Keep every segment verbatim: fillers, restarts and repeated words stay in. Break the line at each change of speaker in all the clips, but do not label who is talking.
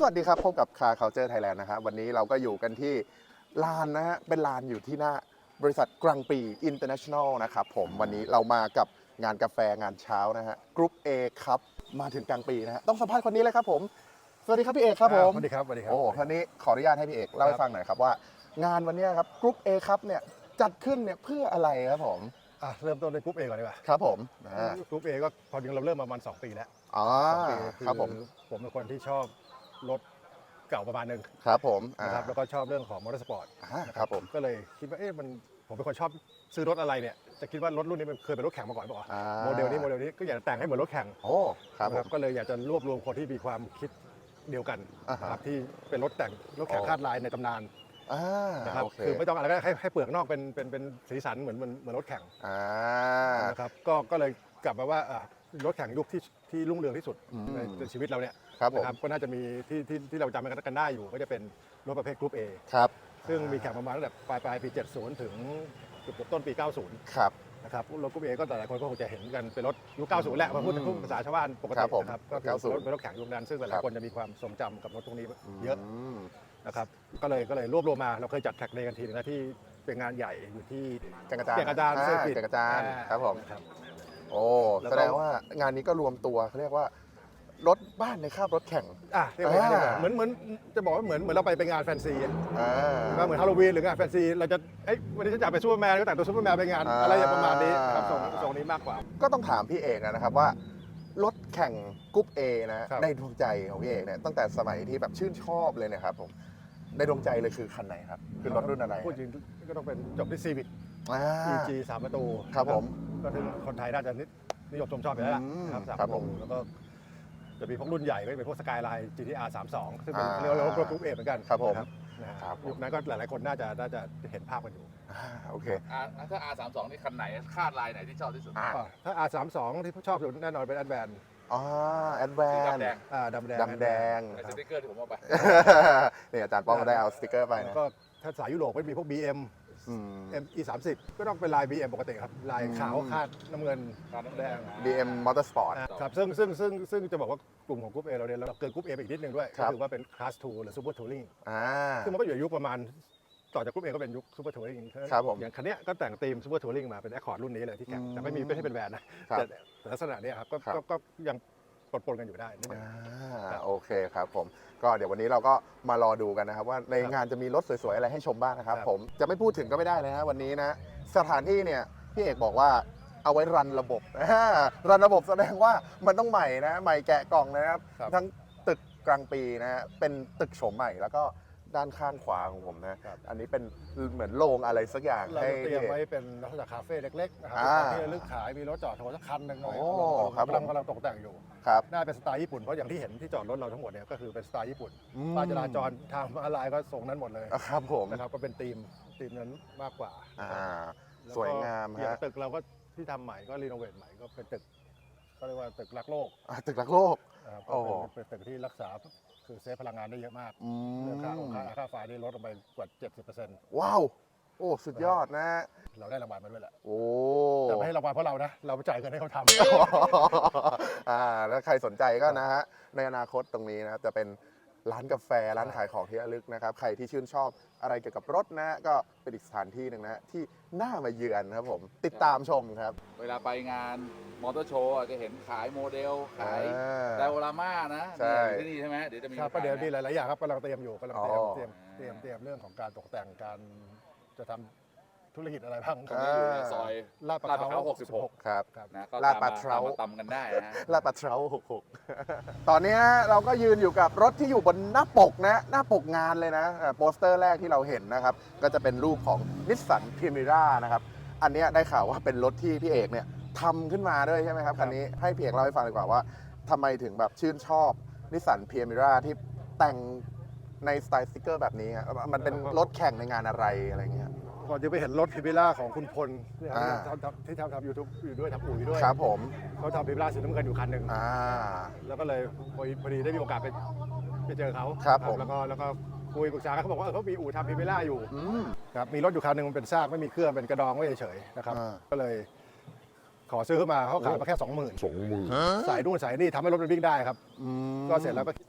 วัสดีครับพบกับ Car Culture Thailand นะครับวันนี้เราก็อยู่กันที่ลานนะฮะเป็นลานอยู่ที่หน้าบริษัทกรังปี International นะครับผมวันนี้เรามากับงานกาแฟงานเช้านะฮะกรุ๊ป A ครับมาถึงกลางปีนะฮะต้องสัมภาษณ์คนนี้เลยครับผมสวัสดีครับพี่เอกครับผม
สวัสดีครับสวัสดีครับ
โอ้ท่านนี้ขออนุญาตให้พี่เอกเล่าให้ฟังหน่อยครับว่างานวันนี้ครับกรุ๊ป A ครับเนี่ยจัดขึ้นเนี่ยเพื่ออะไรครับผม
อ่ะเริ่มต้นในกรุ๊ปเอก่อนดีกว่า
ครับผมอ่า
กรุ๊ปเอก็พอจริงเราเริ่มมาประมาณสองปีแล้ว
อ๋อ
สองปี
ครับผม
ผมเป็นคนที่ชอบรถเก่าประมาณหนึง
ครับผมอ่า
นะครับแล้วก็ชอบเรื่องของมอเตอร์สปอร์ต
อ่าครับผม
ก็เลยคิดว่าเอ๊ะมันผมเป็นคนชอบซื้อรถอะไรเนี่ยจะคิดว่ารถรุ่นนี้มันเคยเป็นรถแข่งมาก่อนเปล่า
อ่า
โมเดลนี้โมเดลนี้ก็อยากจะแต่งให้เหมือนรถแข่ง
โอ้ครับผ
นะ
ม
ก็เลยอยากจะรวบรวมคนที่มีความคิดเดียวกัน
อ่าฮะ
นะครับที่เป็นรถแต่งรถแข่ง
โอ้
คาดลายในตำนาน
อ่า
นะครับ
โอเค
คือไม่ต้องอะไรก็ได้ให้ให้เปลือกนอกเป็นเป็นเป็นสีสันเหมือนเหมือนเหมือนรถแข่ง
อ่า
นะครับก็ก็เลยกลับมาว่าอ่ะรถแข่งยุคที่ที่รุ่งเรืองที่สุด
อืม
ในในชีวิตเราเนี่ย
ครับผม
นะครับก็น่าจะมีที่ที่ที่เราจำกันได้อยู่ก็จะเป็นรถประเภทกรุ๊ป A
ครับ
ซึ่งมีแข่งประมาณตั้งแต่ปลายปลายปี เจ็ดสิบ ถึงเกือบต้นปี เก้าสิบ
ครับ
นะครับรถกรุ๊ป A ก็หลายคนก็คงจะเห็นกันเป็นรถยุค เก้าสิบ แหละมาพูด
อืม
พูดภาษาชาวบ้านปก
ครั
ติ
บผม
นะครับก็คือ
เก้าสิบ
รถเป็นรถแข่งยุคนั้นซึ่งห
ครั
ลาย
บ
ๆคนจะมีความทรงจำกับรถตรงนี้เยอะ
ม
นะครับก็เลยก็เลยรวบรวมมาเราเคยจัดแท็กเดย์กันทีนึงนะที่เป็นงานใหญ่อยู่ที่
แก่งกระจาน
แก่งกระจาน
อ่
เซอร์กิต
แก่งกระจานครับผม
ครับ
โอ้
แล้วก็
แสดงว่างานนี้ก็รวมตัวเขาเรียกว่ารถบ้านในคาบรถแข่ง
อ่ะเรียกว่าอย่างนั้นดีกว่า
อ่า
เหมือนเหมือนจะบอกว่าเหมือนเหมือนเราไปไปงานแฟนซีอะ
อ่า
ว่าเหมือนฮาโลวีนหรืองานแฟนซีเราจะเอ้ยวันนี้ฉันอยากเป็นซูเปอร์แมนก็แต่งตัวซูเปอร์แมนไปงาน
อ่า
อะไรอย่างประมาณนี้ครับทรงทรงนี้มากกว่า
ก็ต้องถามพี่เอกนะครับว่ารถแข่งกรุ๊ป A นะครับ ในดวงใจของพี่เอกเนี่ยตั้งแต่สมัยที่แบบชื่นชอบเลยเนะครับผมในดวงใจเลยคือคันไหนครับคือรถรุ่นอะไร
พูดจริงก็ต้องเป็นจบที่ซีวิ c
อ่า
อี จี สามประตู
ครับผม
ก็ถึงคนไทยน่าจะนินิยมชมชอบอยู่แล้วล่ะ
อืม
นะครับสาม
ครั
ป
บ
ระ
ผ
ตู
ม
แล้วก็จะมีพวกรุ่นใหญ่ก็เป็นพวกสกายไลน์ จี ที อาร์ สามสิบสอง ซึ่งเป็น
อ่า
เรียกว่ารถกรุ๊ปเอเหมือนกัน
ครับผม
นะฮะ
ครับผม
ยุคนั้นก็หลายๆคนน่าจะน่าจะเห็นภาพกันอยู่
อ่าโอเค
อ่าถ้า อาร์ สามสิบสอง นี่คันไหนคาดลายไหนที่ชอบที่สุด
อ่า
อ่ะถ้า อาร์ สามสิบสอง ที่ชอบสุดแน่นอนเป็นแอดแวน
อ๋อแอดแว
สี
น
ดำแดง
อ่าดำแดง
ดำแดง
ไอ้สติ๊กเกอร์ที่ผมเอาไป
เนี่ยอาจารย์ป้องก็ได้เอาสติกเกอร์ไป
แล้ว
นะ
ก็ถ้าสายยุโรปก็มีพวก บี เอ็ม
อืม
เอ็ม อี สามสิบ ก็ต้องเป็นลาย บี เอ็ม ปกติครับ ลายขาว
อืม
คาดน้ำเงิน
คาดน้ำเงิน
แดง
บี เอ็ม Motorsport
ครับซึ่งซึ่งซึ่งซึ่งจะบอกว่ากลุ่มของกรุ๊ป A เราเนี่ยเราเกินกรุ๊ป A ไปอีกนิดนึงด้วย
ครั
ก็
บ
คือว่าเป็น Class ทู หรือ Super Touring
อ่า
ซึ่งมันก็อยู่ในยุคประมาณต่อจากกรุ๊ป A ก็เป็นยุค Super Touring
ครับผม
อย่างคันเนี้ยก็แต่งธีม Super Touring มาเป็น Accord รุ่นนี้เลยที่แข่ง
อืม
แต่ไม่มีไม่ใช่เป็นแวนนะครับ แต่แต่ลักษณะเนี้ยครับก็
ครับ
ก็ก็ยังปนๆกันอยู่ได้นิดนึง
อ่าโอเคครับผมก็เดี๋ยววันนี้เราก็มารอดูกันนะครับว่าในงานจะมีรถสวยๆอะไรให้ชมบ้างนะครับ
ครับ
ผมจะไม่พูดถึงก็ไม่ได้เลยนะวันนี้นะสถานที่เนี่ยพี่เอกบอกว่าเอาไว้รันระบบ อ่ารันระบบแสดงว่ามันต้องใหม่นะใหม่แกะกล่องนะครับ
ครับ
ทั้งตึกกลางปีนะฮะเป็นตึกโฉมใหม่แล้วก็ด้านข้างขวาของผมนะครับ อันนี้เป็นเหมือนโรงอะไรสักอย่าง
เรา
ให้
เตรียม
พี่เอก
ไว้เป็นลักษณะคาเฟ่เล็กๆนะครั
อ่า
ที่ระลึกขายมีรถจอดโชว์สักคันหนึ่ง
โอ้
อะไร
ครับ
กำลัง
ผม
กำลังตกแต่งอยู่
ครับ
ได้เป็นสไตล์ญี่ปุ่นเพราะอย่างที่เห็นที่จอดรถเราทั้งหมดเนี่ยก็คือเป็นสไตล์ญี่ปุ่น
อืม
ป้ายจราจรทางมาลายก็ทรงนั้นหมดเลย
อ่ะครับผม
นะครับก็เป็นธีมธีมนั้นมากกว่า
อ่า
แล้ก็
สวยงาม
อย่า
ฮะ
งตึกเราก็ที่ทำใหม่ก็รีโนเวทใหม่ก็เป็นตึกก็เรียกว่าตึกรักโลก
อ่ะตึกรักโลก
นะครับ
โอ้
ก็เป็นเป็นตึกที่รักษาคือเซฟพลังงานได้เยอะมาก
อื
เรื่องค่าค่า
ม
ค่าไฟได้ลดลงไปกว่า เจ็ดสิบเปอร์เซ็นต์
ว้าว โอ้ สุดยอดนะ
เราได้รางวัลมาด้วยแหละ
โอ้
แต่ไม่ให้รางวัลเพราะเรานะเราไปจ่ายเงินให้เขาทำ
อ่าแล้วใครสนใจก็นะฮะ ในอนาคตตรงนี้นะครับ จะเป็นร้านกาแฟ ร้านขายของที่ระลึกนะครับ ใครที่ชื่นชอบอะไรเกี่ยวกับรถนะ ก็เป็นอีกสถานที่หนึ่งนะ ที่น่ามาเยือนครับผม ติดตามชมครับ
เวลาไปงานมอเตอร์โชว์จะเห็นขายโมเดล ขาย
อ่า
ไดโอราม่านะ
ใช่
เนี่ยอยู่ที่นี่ใช่ไหมเดี๋ยวจะมี
ครับ
ขาย
ประเดี๋ยว
นะ
มีหลาย ๆ อย่างครับกำลังเตรียมอยู่กำลังเตรียม
อ๋อ
เตรียมเตรียมเตรียมเรื่องของการตกแต่งการจะทำธุรกิจอะไรบ้าง
ตรงนี้อยู่ในซอย
ลาดประ
ลาดพ
เขา
ร้าวหกสิบหก
ครับ
ครับ
นะก็
ลาด
ตาม
ปลา
มา
เทรา
ตามมาตำกันได้นะ
ลาดปลาเทราหกหก ตอนนี้นะเราก็ยืนอยู่กับรถที่อยู่บนหน้าปกนะ หน้าปกงานเลยนะอ่าโปสเตอร์แรกที่เราเห็นนะครับ ก็จะเป็นรูปของนิสสันพ r มิรานะครับ อันเนี้ยได้ข่าวว่าเป็นรถที่พี่เอกเนี่ยทำขึ้นมาด้วยใช่ไหมครับ คันนี้ให้พี่เอกเล่าให้ฟังดีกว่าว่าทำไมถึงแบบชื่นชอบนิสสันพ r มิราที่แต่งในสไตล์สติกเกอร์แบบนี้ฮะมันเป็นรถแข่งในงานอะไรอะไรเงี้ย
ก่อนจะไปเห็นรถพิบิล่าของคุณพลที่
อ่า
ทำทำที่ทำทำยูทูบอยู่ด้วยทำอู่อยู่ด้วย
ครับผม
เขาทำพิบิล่าสีน้ำเงินอยู่คันหนึ่ง
อ่า
แล้วก็เลยพอดีพอดีได้มีโอกาสไปไปเจอเขา
ครับผม
แล้วก็แล้วก็คุยปรึกษากันเขาบอกว่าเออเขามีอู่ทำพิบิล่าอยู่
อืม
ครับมีรถอยู่คันหนึ่งมันเป็นซากไม่มีเครื่องเป็นกระดองไว้เฉยๆนะครับ
อ่า
ก็เลยขอซื้อเข้ามาเขาขายมาแค่สองหมื่นสองหมื่นสายนู่นสายนี่ทำให้รถมันวิ่งได้ครับ
อืม
ก็เสร็จแล้วก็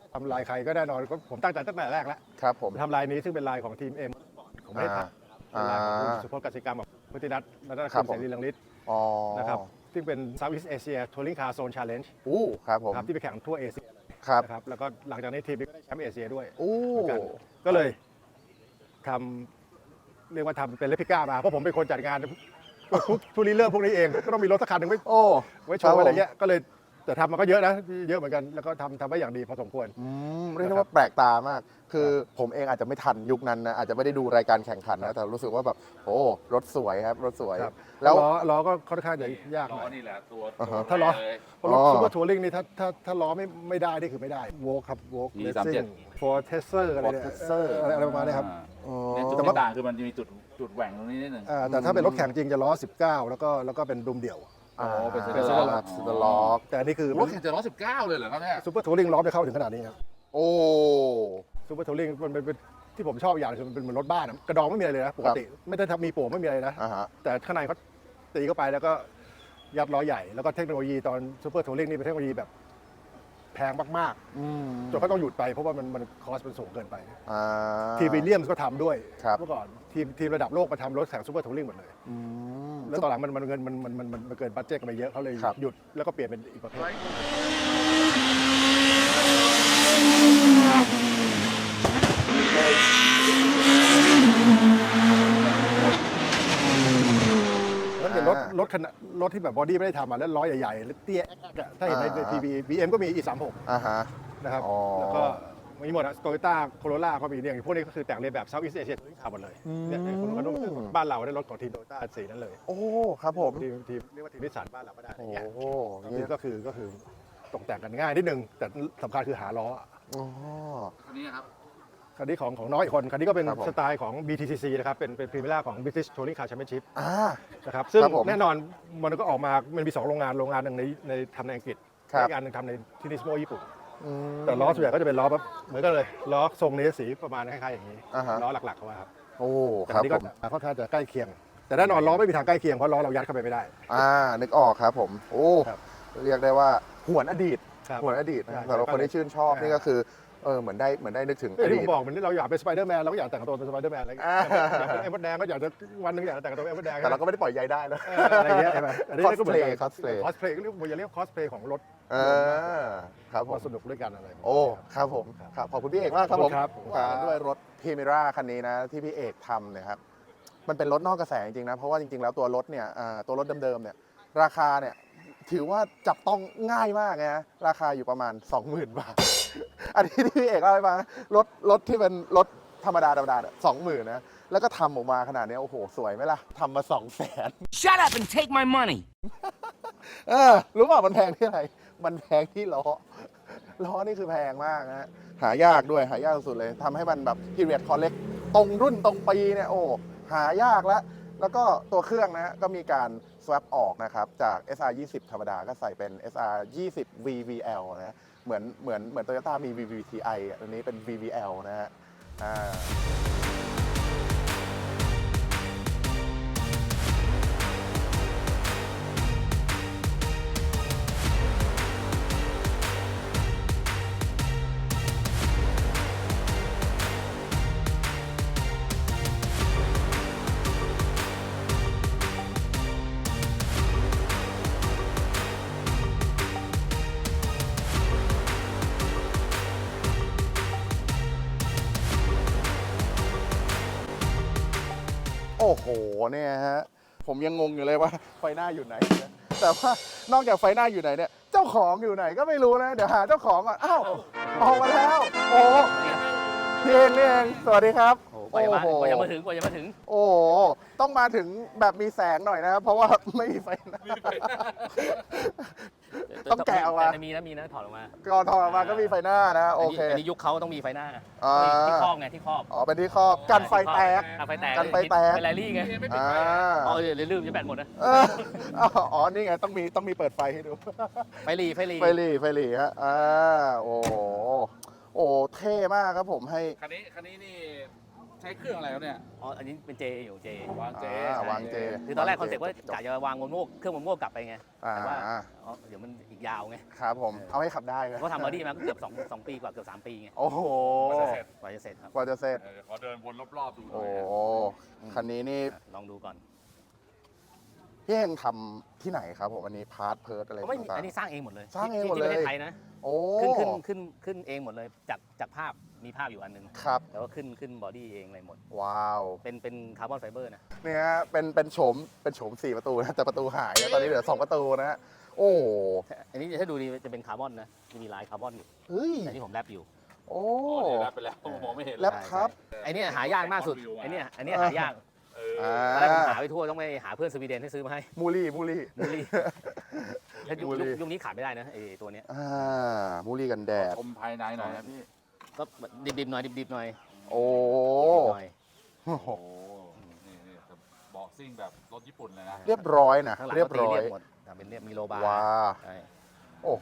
ทำลายใครก็แน่นอนก็ผมตั้งใจตั้งแต่แรกแล้ว
ครับผม
ทำลายนี้ซึ่งเป็นลายของทีมเอ็มของประเทศไทยเป็นลายของคุณสุพจน์กสิกรรมกับพุทธินัทรัตน
ครั
คุ
บ
ณ
ผม
เสรีลังฤทธิ์
อ๋อ
นะครับซึ่งเป็น Southeast Asia Touring Car Zone Challenge
อู้ครับผม
ครับที่ไปแข่งทั่วเอเชีย
ครับ
นะครับแล้วก็หลังจากนี้ทีมก็ได้แชมป์เอเชียด้วย
อู้
เหมือนกันก็เลยทำเรียกว่าทำเป็นเลปิก้ามาเพราะผมเป็นคนจัดงานทุกทุกรีเริ่มพวกนี้เองก็ต้องมีรถสักคันหนึ่งไว้
โอ้
ไว้โชว์อะไรเงี้ยก็เลยแต่ทำมันก็เยอะนะเยอะเหมือนกันแล้วก็ทำทำไว้อย่างดีพอสมควร
อืมเรียกได้ว่าแปลกตามาก คือผมเองอาจจะไม่ทันยุคนั้นนะอาจจะไม่ได้ดูรายการแข่งขันนะแต่รู้สึกว่าแบบโอ้รถสวยครับรถสวย
ครับ
แล้
แล้ว วล้อล้อก็ค่อนข้างจะยากห
ล้
น่
อ
อย
นี่แหละตัว
อ่าฮะ
ถ้าล้อ
เลย
เพราะรถ
อ๋อ
ซูเปอร์ทัวริงนี่ถ้าถ้าถ้าล้อไม่ไม่ได้นี่คือไม่ได้โวกครับโวก
อี
เลส
สาม
ซิ่
เจ็
ง
ด
ฟอร์เทสเซอร์อะไรเนี่ย
Fortesser
อะไรอะไรประมาณนี้ครับ
อ๋อ
เนี่ยจุด
แต่
ที่
ว่า
ต่างคือมันจะมีจุดจุดแหว่งตรงนี้นิดหนึ่ง
อ่าแต่ถ้าเป็นรถแข่งจริงจะล้อ สิบเก้า แล้วก็แล้วก็เป็นดุมเดี่ยว
อ๋อเป็น
เป็น
Cedar
ส
Lock
ล็อกสล็อก
แต่อันนี่คือ
รถแข่งจะร้อยสิบเก้าเลยเหรอครับเนี่ย
ซูเปอร์ทัวริงล้อไปเข้าถึงขนาดนี้ครับ
โอ้
ซูเปอร์ทัวริงมันเป็นเป็นที่ผมชอบอย่างคือมันเป็นเหมือนรถบ้านอะกระดองไม่มีอะไรเลยนะปกติไม่ได้ทำมีโป่งไม่มีอะไรนะ
อ่าฮะ
แต่ข้างในเขาตีเข้าไปแล้วก็ยัดล้อใหญ่แล้วก็เทคโนโลยีตอนซูเปอร์ทัวริงนี่เป็นเทคโนโลยีแบบแพงมาก
อืม
ๆจนเขาต้องหยุดไปเพราะว่ามันมันคอสมันสูงเกินไป
อ่า
ทีมวิลเลียมส์ก็ทำด้วย
ครับ
เมื่อก่อนทีมทีมระดับโลกมาทำรถแข่งซูเปอร์ทัวริงหมดเลย
อืม
แล้วตอนหลังมันมันเงินมันมันมันมันมันเกินบัตเจ็ตกันไปเยอะเขาเลย
ครับ
หยุดแล้วก็เปลี่ยนเป็นอีกประเภทแล้วเป็นรถรถขนาดรถที่แบบบอดี้ไม่ได้ทำมาแล้วล้อใหญ่ๆแล้วเตี้ยแอ๊กอะถ้าเห็นใน
อ่า
ทีวีบีเอ็มก็มี อี สามสิบหก
อ่าฮะ
นะครับ
อ๋อ
แล้วก็มีหมดอะโตโยต้าโคโรล่าก็มีเนี่ยอย่างพวกนี้ก็คือแต่งเรียนแบบเซาท์อีสเอเชียทุกขับหมดเลยเนี่ยเนี่ยคนนู้นบ้านเราได้รถของทีมโตโยต้าสีนั้นเลย
โอ้ครับผม
ทีมทีมเรียกว่าทีมนิสสันบ้านเราก็ได้อะไร
โอ้
เงี้ย
โห
นี่ก็คือก็คือตกแต่งกันง่ายนิดนึง แต่สำคัญคือหาล้อ
อ๋อ
คันนี้ครับ
คันนี้ของของน้อยอีกคน คันนี้ก็เป็น
ครับผม
สไตล์ของ บี ที ซี ซี นะครับ เป็นเป็นพรีเมียร์ของ British Touring Car Championship
อ่า
นะครับ ซึ่ง
ครับผม
แน่นอนมันก็ออกมา มันมี สอง โรงงาน โรงงานหนึ่งในในทำในอังกฤษ
ครับ
อีกอันหนึงทำในที่นิสโมญี่ปุ่น
อืม
แต่ล้อส่วนใหญ่ก็จะเป็นล้อแบบเหมือนกันเลย ล้อทรงนี้สีประมาณคล้ายๆอย่างนี้
อ่าฮะ
ล้อหลักๆเขาว่าครับ
โอ้
แต่
ค
คั
รั
น
บ
นี้
ผ
ก็
ม
ค่อนข้างจะใกล้เคียง แต่แน่นอนล้อไม่มีทางใกล้เคียงเพราะล้อเรายัดเข้าไปไม่ได้
อ่านึกออกครับผม โอ้
ครับ
เรียกได้ว่าหวนอดีต
ครับ
หวนอดีตนะ
ใช่
สำหรับคนที่ชื่นชอบ
ใช่
นี่ก็คือเออเหมือนได้เหมือนได้นึกถึงอ
ที่
ดี
ผ
ต
มบอกเหมือนที่เราอยากเป็นสไปเดอร์แมนเราก็อยากแต่งตัวเป็นสไปเดอร์แมนอะไรอย่างเงี้ย
อ่า
อยากเป็นเอ็มเบอร์แดงก็อยากจะวันหนึงอยากจะแต่งตัวเป็นเอ็มเบอร์แดง
แต่เราก็ไม่ได้ปล่อยใยได้นะ
เอออะไรอย่างเงี้ยใช่ไหมอันนี้ก็เหมือนกัน
cosplay cosplay
คอสเพลย์ก็เรียกว่าอย่าเรียกคอสเพลย์ของรถ
เออครับผม
มาสนุกด้วยกันอะไรแบบนี้
โอ้ ครับผม ครับ ขอบคุณพี่เอกมากครับผม
ครับ
อ่าด้วยรถพรีเมร่าคันนี้นะ ที่พี่เอกทำเนะครับ มันเป็นรถนอกกระแสจริงๆนะ เพราะว่าจริงๆ แล้วตัวรถเนี่ยอ่าตัวรถเดิมๆ เนี่ย ราคาเนี่ย ถือว่าจับต้องง่ายมากนะ ราคาอยู่ประมาณ สองหมื่น บาท อันนี้ที่พี่เอกเล่าให้ฟังนะรถรถที่เป็นรถธรรมดาธรรมดาสองหมื่นนะ แล้วก็ทำออกมาขนาดนี้โอ้โห สวยไหมล่ะทำมาสองแสน
Shut up and take my money.
เออรู้ป่ะมันแพงที่อะไร มันแพงที่ล้อ ล้อนี่คือแพงมากนะฮะหายากด้วยหายากสุดเลยทำให้มันแบบ period collect ตรงรุ่นตรงปีเนี่ยโอ้หายากแล้ว แล้วก็ตัวเครื่องนะฮะก็มีการ swap ออกนะครับ จาก เอส อาร์ ยี่สิบ ธรรมดาก็ใส่เป็น เอส อาร์ ยี่สิบ วี วี แอล นะเหมือนเหมือนเหมือน Toyota มี วี วี ที ไอ อ่ะอันนี้เป็น วี วี แอล นะฮะอ่า โอ้โหเนี่ยฮะผมยังงงอยู่เลยว่าไฟหน้าอยู่ไหนนะแต่ว่านอกจากไฟหน้าอยู่ไหนเนี่ยเจ้าของอยู่ไหนก็ไม่รู้นะ เดี๋ยวหาเจ้าของก่อนอ้าวออกมาแล้ว โอ้พี่เองนี่เองสวัสดีครับ
กว่าจะมากว่าจะมาถึงกว่าจะมาถึง
โอ้โหต้องมาถึงแบบมีแสงหน่อยนะครับเพราะว่าไม่มีไฟหน้า ต้องแกะออกมา
แต่มีนะมีนะถอดออกมา
ก่อนถอดออกมาก็มีไฟหน้านะโอเค
อันนี้ยุคเขาต้องมีไฟหน้า
อ่า
ที่ครอบไงที่ครอบ
อ๋อเป็นที่ครอบกันไฟแตก
กันไฟแตก
กันไฟแตก
เป็นแรลลี่ไง
อ่า
อ๋อเดี๋ยวลืมจะแบตหมดนะ
เอออ๋อนี่ไงต้องมีต้องมีเปิดไฟให้ดู
ไฟรีไฟรี
ไฟหลีไฟหลีฮะ อ่า โอ้โหโอ้ เท่มากครับผมให้
คันนี้คันนี้นี่ใช้เครื่องอะไรครับเนี่ย
อ๋ออันนี้เป็นเจอยู่เจ
วางเจ
อ่าวางเจ
คือตอนแรกคอนเซ็ปต์ว่ากะจะวางโมโม่เครื่องโมโม่กลับไปไง
อ่า
แต่ว่าอ๋อเดี๋ยวมันอีกยาวไง
ครับผมเอาให้ขับได้ไหม
ก็ทำบอดี้มาก็เกือบสองสองปีกว่าเกือบสามปีไง
โอ้โห
กว่าจะเสร็จ
กว่าจะเสร็จครับ
กว่าจะเสร็จ
เดี๋ยวขอเดินวนรอบๆดูหน่
โอ้
อย
โหคันนี้นี่
ลองดูก่อน
พี่เฮงทำที่ไหนครับผมอันนี้พาร์ทเพิร์ดอะไร
เขาไม่มี
ต่าง
อันนี้สร้างเองหมดเลย
สร้างเอง
ที่
หมดเลย
ที่ประเทศไทยนะ
ๆโอ้
ขึ้นขึ้นขึ้นขึ้นเองหมดเลยจากจากภาพมีภาพอยู่อันหนึง
ครับ
แต่ว่าขึ้นขึ้นบอดี้เองอะไรหมด
ว้าว
เป็นเป็นคาร์บอนไฟเบอร์นะ
เนี่ยฮะเป็นเป็นโฉมเป็นโฉมสี่ประตูนะแต่ประตูหายแล้วตอนนี้เหลือสองประตูนะฮะโอ้โห
อันนี้ถ้าดูดีจะเป็นคาร์บอนนะจะมีลายคาร์บอนอยู่
เฮ้ย
แต่ที่ผมแรปอยู่
โอ้
โอ้เดี๋ยวรับไปแล้วมองไม่เห็น
แรปครับ
ไอ้เนี่ยหายากมากสุดไอ้เนี่ยอันเนี้ยหายาก
เอ
อ่า
อ
ตอนแรกผมหาไปทั่วต้องไปหาเพื่อนสวีเดนให้ซื้อมาให้
มูลี่มูลี่
มูลี่แล้วยุค
มูลี่
ยุคยุคนี้ขาดไม่ได้นะไอ้ตัวเนี้ย
อ่ามูลี่กันแดด
ชมภายในหน่อยนะพี่
ก็ดิบๆหน่อยดิบๆหน่อย
โอ้
ดิบๆหน่อย
โห
โอ้นี่นี่เบาะซิ่งแบบรถญี่ปุ่นเลยนะ
เรียบร้อยนะ
ข้างหลัง
เรียบ
ก็ตี
ร้อย
เรียบหมดแต่เป็นเรียบมีโลบาร์
ว้า
ใช่
โอ้โห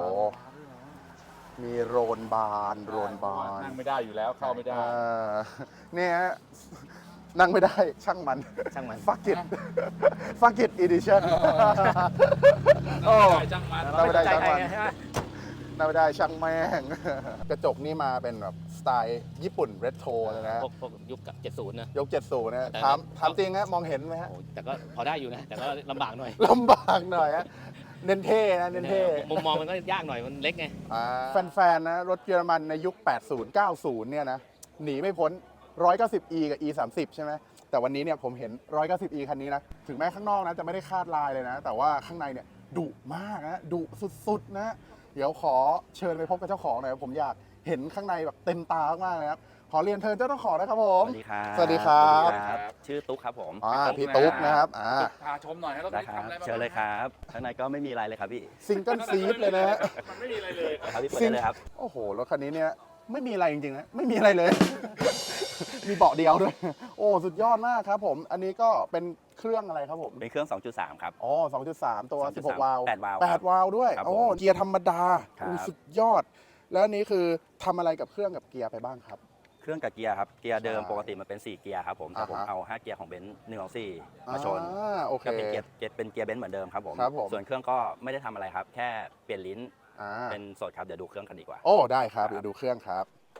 มีโรนบานโรนบาน
นั่งไม่ได้อยู่แล้วเข้าไม่ได้
อ่าเนี่ยฮะนั่งไม่ได้ช่างมัน
ช่างมัน
ฟักกิตฟักกิตอีดิชั่นโอ้
ได้จังมัน
เราไม่ได้
ใจ
ช่าง
ใคร
มัน
ไงใช่ไหม
นั่งไม่ได้ช่างแม่ง กระจกนี่มาเป็นแบบสไตล์ญี่ปุ่นเรโทรเลยนะ
พวกพวกยุคกับเจ็ดศูนย์นะ
ยกเจ็ดสูนะ
แต่
ถาม
แต่
ถามจริงฮะมองเห็นไหมฮะ
โอ้แต่ก็พอได้อยู่นะ แต่ก็ลำบากหน่อย
ลำบากหน่อยฮะเน้นเท่นะเน้นเท่
มุมมองมันก็ยากหน่อยมันเล็กไง
แฟนๆนะรถเยอรมันในยุค แปดสิบ เก้าสิบ เนี่ยนะ หนีไม่พ้น หนึ่งร้อยเก้าสิบอี กับ อี สามสิบ ใช่ไหม แต่วันนี้เนี่ยผมเห็น หนึ่งร้อยเก้าสิบอี คันนี้นะ ถึงแม้ข้างนอกนะจะไม่ได้คาดลายเลยนะ แต่ว่าข้างในเนี่ยดุมากนะดุสุดๆนะ เดี๋ยวขอเชิญไปพบกับเจ้าของหน่อยครับผมอยากเห็นข้างในแบบเต็มตามากๆเลยครับ ขอเรียนเชิญเจ้าของนะครับผม
สวัสดีครับ
สวัสดีครับ
สวัสดีครับ ชื่อตุ๊กครับผม
อ่าพี่ตุ๊กนะครับอ่า
พาชมหน่อยให้รถ
ได้
นี้
ครับ
ทำอะไรบ้าง
เชิญเลยครับข้างในก็ไม่มีอะไรเลยครับพี่
ซิงเกิลซีดเลยนะฮะ
มันไม่มีอะไรเลย
ครับพี่เปิดได้เลยครับ
โอ้โห รถคันนี้เนี่ยไม่มีอะไรจริงๆนะ ไม่มีอะไรเลย มีเบาะเดียวด้วย โอ้ สุดยอดมากครับผม อันนี้ก็เป็นเครื่องอะไรครับผม
เป็นเครื่อง สองจุดสาม ครับ
อ๋อ สองจุดสาม ตัว
สองจุ
สิ
ด
บห
สาม
ก วาล์ว
แปดวาล์ว
แปดวาล์วด้วย
ครับ
โอ้
ผม
เกียร์ธรรมดา
ครับ
โอ้สุดยอด แล้วอันนี้คือทำอะไรกับเครื่องกับเกียร์ไปบ้างครับ
เครื่องกับเกียร์ครับ เกียร์เดิม
ใช่
ปกติมันเป็นสี่เกียร์ครับผม แต่ผม
อ่าฮะ
เอาห้าเกียร์ของเบนซ์หนึ่งสองสี่มาชน
อ่าโอเค
ก็เป็นเกียร์เกียร์เป็นเกียร์เบนซ์เหมือนเดิมครับผม
ครับผม
ส่วนเครื่องก็ไม่ได้ทำอะไรครับ แค่เปลี่ยนลิ้น
อ่า
เป็นสดครับ เดี๋ยวดูเครื่องกันดีกว่า
โอ้ ได้ครับ
ครับ
เดี๋ยวดูเครื่องครับ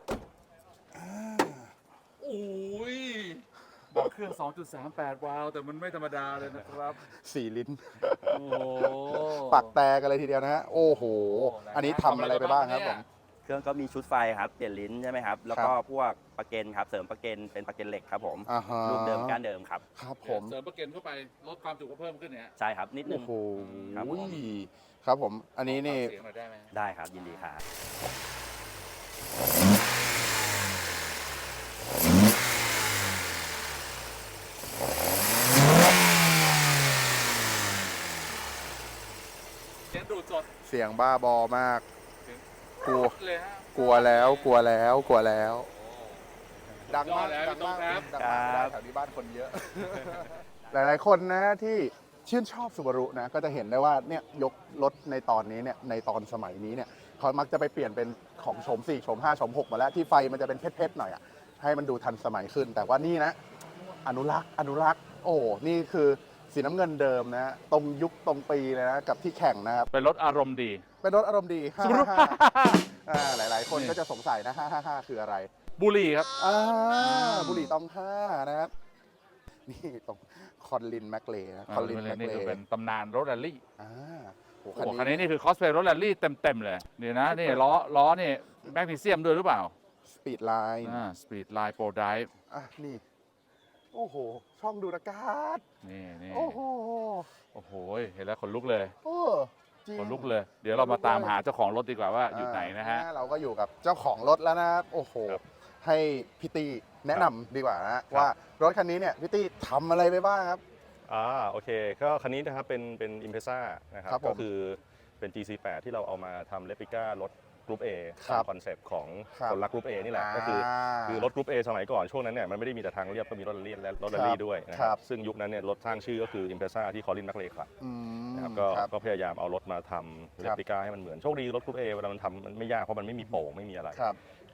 โอ้ยบอกเครื่อง สองจุดสามแปด วาล์วแต่มันไม่ธรรมดาเลยนะครับ
สี่ลิ้น
โอ้โห
ปักแตกกันเลยทีเดียวนะฮะ โอ้โห อันนี้ทำอะไรไปบ้างครับผม
เครื่องก็มีชุดไฟครับ เปลี่ยนลิ้นใช่ไหมครับ แล้วก็พวกประเกนครับ เสริมประเกนเป็นประเกนเหล็กครับผม
อ่าฮะ
รูปเดิมก้านเดิมครับ
ครับผ
ผม
ม
เสริมประเกันเข้าไปลดความจุก็เพิ่มขึ้นเนี่ย
ใช่ครับ นิดนึ
โอ้
ง
โห
ครับผม
ครับผม อันนี้นี่
เสียงหน่อยได้ไหม
ได้ครับ ยินดีครับ
เสียงดูดสด
เสียงบ้าบอมาก กลัว
เลยฮะ
กลัวแล้ว กลัวแล้ว กลัวแล้ว ดังมาก
แล้ว
ดังมาก
ครับ
ดังมากไม่ได้แถวนี้บ้านคนเยอะ หลายๆคนนะที่ชื่นชอบซูบารุนะ ก็จะเห็นได้ว่าเนี่ยยกรถในตอนนี้เนี่ย ในตอนสมัยนี้เนี่ยเขามักจะไปเปลี่ยนเป็นของโฉมสี่โฉมห้าโฉมหกมาแล้ว ที่ไฟมันจะเป็นเพชรๆหน่อยอ่ะ ให้มันดูทันสมัยขึ้น แต่ว่านี่นะ อนุรักษ์ อนุรักษ์ โอ้ นี่คือสีน้ำเงินเดิมนะ ตรงยุคตรงปีเลยนะ กับที่แข่งนะครับ
เป็นรถอารมณ์ดี
เป็นรถอารมณ์ดี
ซูบารุ
อ่าหลาย ๆ คนก็จะสงสัยนะ ห้าห้าห้าคืออะไร
บุหรี่ครับ
อ่าบุหรี่ตองห้านะครับ นี่ตรงคอนลินแมคเลย์นะคอนลินแมค
นี่
เล
คือ
ย์
เป็นตำนานรถแรลลี่
อ่าโห
โอ้โหคันนี้นี่คือคอสเพลย์รถแรลลี่เต็มๆเลยนี่นะนี่ล้อล้อนี่แมกนีเซียมด้วยหรือเปล่า
สปีดไลน์
อ่าสปีดไลน์โปรไดฟ์
อ่ะ นี่ โอ้โห ช่องดูดอากาศ
นี่นี่
โอ้โห
โอ้โหเห็นแล้วขนลุกเลย
โอ้จริง
ขนลุกเลย เดี๋ยวเรามาตามหาเจ้าของรถดีกว่าว่าอยู่ไหนนะฮะ
อ่าเราก็อยู่กับเจ้าของรถแล้วนะครับ โอ้โห
ครับ
ให้พี่ตี้แนะนำดีกว่านะว่ารถคันนี้เนี่ยพี่ตี้ทำอะไรไปบ้างครับ
อ่าโอเคก็คันนี้นะครับเป็นเป็น Impreza นะครับ
ครับผม
ก็คือเป็น จี ซี แปด ที่เราเอามาทำเรปลิก้ารถกรุ๊ป A
ครั
ตา
บ
มคอนเซปต์ของ
ครับ
คนรักกรุ๊ป A นี่แหละ ก็คือคือรถกรุ๊ป A สมัยก่อนช่วงนั้นเนี่ยมันไม่ได้มีแต่ทางเรียบก็มีรถแรลลี่และรถแรลลี่ด้วยนะค
ครั
รั
บบ
ซึ่งยุคนั้นเนี่ยรถสร้างชื่อก็คือ Impreza ที่คอลินแมคเลย์ครับ
อืม
นะครับก็
ครับ
ก็พยายามเอารถมาทำเรปลิก้าให้มันเหมือนโชคดีรถกรุ๊ป A เวลามันทำมันไม่ยากเพราะมันไม่มีโป่งไม่มีอะไร
ครับ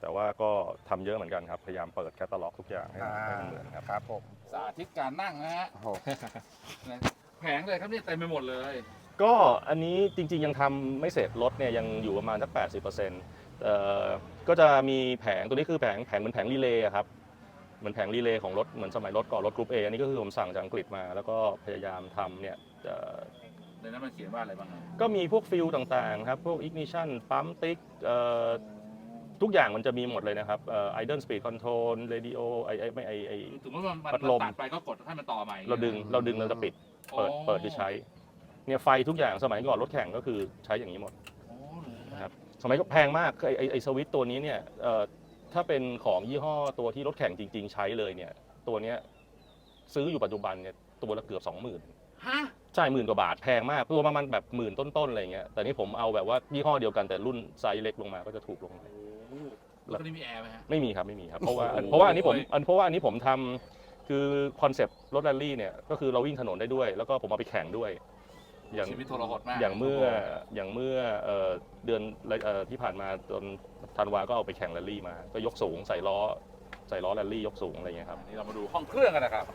แต่ว่าก็ทำเยอะเหมือนกันครับ พยายามเปิดแคตตาล็อกทุกอย่างให้ให้มันเหมือนครับ
ครับผม
สาธิตการนั่งนะฮะ
โอ้โห
แผงเลยครับเนี่ยเต็มไปหมดเลย
ก็อันนี้จริงๆยังทำไม่เสร็จรถเนี่ยยังอยู่ประมาณสัก แปดสิบเปอร์เซ็นต์ เอ่อก็จะมีแผงตัวนี้คือแผงแผงเหมือนแผงรีเลย์อะครับเหมือนแผงรีเลย์ของรถเหมือนสมัยรถก่อนรถกรุ๊ป A อันนี้ก็คือผมสั่งจากอังกฤษมา แล้วก็พยายามทำเนี่ยเอ่อ
ในนั้นมันเขียนว่าอะไรบ้างครับ
ก็มีพวกฟิลต่างๆครับพวก ignition ปั๊มติ๊กเอ่อทุกอย่างมันจะมีหมดเลยนะครับเอ่อ idle speed control radio ไอไอไม่ไอไอ
สมมติว่ามัน
พัดลม
ตัดไปก็กดให้มันต่อใหม่
เราดึงเราดึงเราจะปิดเปิด
อ๋อ
เปิดหรือใช้เนี่ยไฟทุกอย่างสมัยก่อนรถแข่งก็คือใช้อย่างนี้หมด
อ๋อเหรอ
นะครับสมัยก็แพงมากไอไอไอสวิตช์ตัวนี้เนี่ยเอ่อถ้าเป็นของยี่ห้อตัวที่รถแข่งจริง ๆ ใช้เลยเนี่ยตัวเนี้ยซื้ออยู่ปัจจุบันเนี่ยตัวละเกือบสองหมื่น
ฮะ
ใช่หมื่นกว่าบาทแพงมากตัวประมาณแบบหมื่นต้นๆอะไรเงี้ยแต่นี่ผมเอาแบบว่ายี่ห้อเดียวกันแต่รุ่นไซส์เล็กลงมาก็จะถูกลง
โอ้โหรถคันนี้มีแอร์ไหมฮะ
ไม่มีครับไม่มีครับเพราะว่า
โอ้โห
เพราะว่าอันนี้ผมอันเพราะว่าอันนี้ผมทำคือคอนเซปต์รถแรลลี่เนี่ยก็คือเราวิ่งถนนได้ด้วย แล้วก็ผมเอาไปแข่งด้วย อย่าง
ชีวิตทรหดมาก
อย่างเมื่ออย่างเมื่อเอ่อเดือนเอ่อที่ผ่านมาตอนธันวาก็เอาไปแข่งแรลลี่มาก็ยกสูงใส่ล้อใส่ล้อแรลลี่ยกสูงอะไรเงี้ยครับ
นี่เรามาดูห้องเครื่องกันนะครับ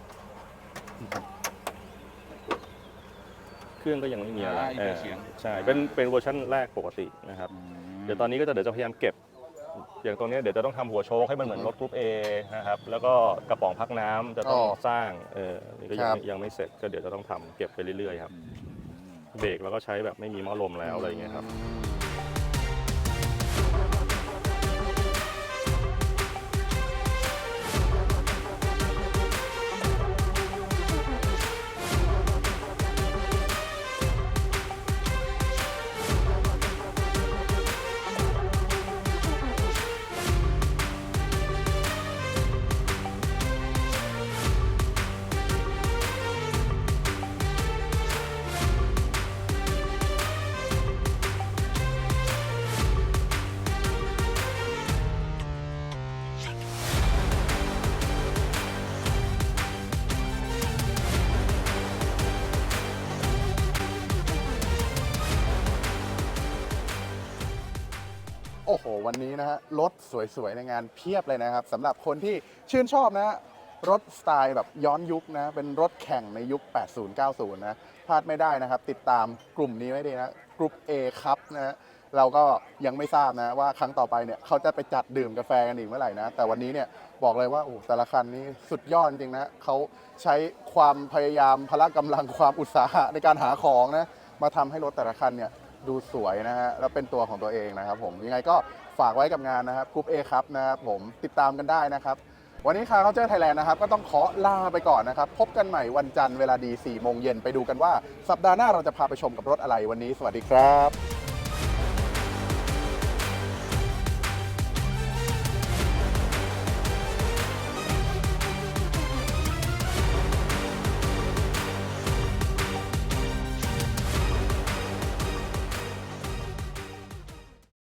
เครื่องก็ยังไม่มีอะไร
อ่าอินเตอร์เสียง
ใช่เป็นเป็นเวอร์ชันแรกปกตินะครับเดี๋ยวตอนนี้ก็จะเดี๋ยวจะพยายามเก็บ อย่างตรงนี้เดี๋ยวจะต้องทำหัวโชคให้มันเหมือนรถกรุ๊ป A นะครับแล้วก็กระป๋องพักน้ำจะต้อง
อ๋อ
สร้างเออนี่ก็ยั
ค
ง
รับ
ยังไม่เสร็จก็เดี๋ยวจะต้องทำเก็บไปเรื่อยๆครับเบรกแล้วก็ใช้แบบไม่มีหม้อลมแล้วอะไรอย่างเงี้ยครับ
โอ้โห วันนี้นะฮะรถสวยๆ ในงานเพียบเลยนะครับสำหรับคนที่ชื่นชอบนะฮะรถสไตล์แบบย้อนยุคนะเป็นรถแข่งในยุค แปดสิบ เก้าสิบ นะพลาดไม่ได้นะครับ ติดตามกลุ่มนี้ไว้ดีนะกลุ่ม A ครับนะฮะเราก็ยังไม่ทราบนะว่าครั้งต่อไปเนี่ยเขาจะไปจัดดื่มกาแฟกันอีกเมื่อไหร่นะ แต่วันนี้เนี่ยบอกเลยว่าโอ้แต่ละคันนี้สุดยอดจริงๆนะเขาใช้ความพยายามพละกำลังความอุตสาหะในการหาของนะมาทำให้รถแต่ละคันเนี่ยดูสวยนะฮะแล้วเป็นตัวของตัวเองนะครับผมยังไงก็ฝากไว้กับงานนะครับกลุ่ม A ครับนะครับผมติดตามกันได้นะครับวันนี้คาร์เคาน์เตอร์ไทยแลนด์นะครับก็ต้องขอลาไปก่อนนะครับพบกันใหม่วันจันทร์เวลาดีสี่โมงเย็นไปดูกันว่าสัปดาห์หน้าเราจะพาไปชมกับรถอะไรวันนี้สวัสดีครับ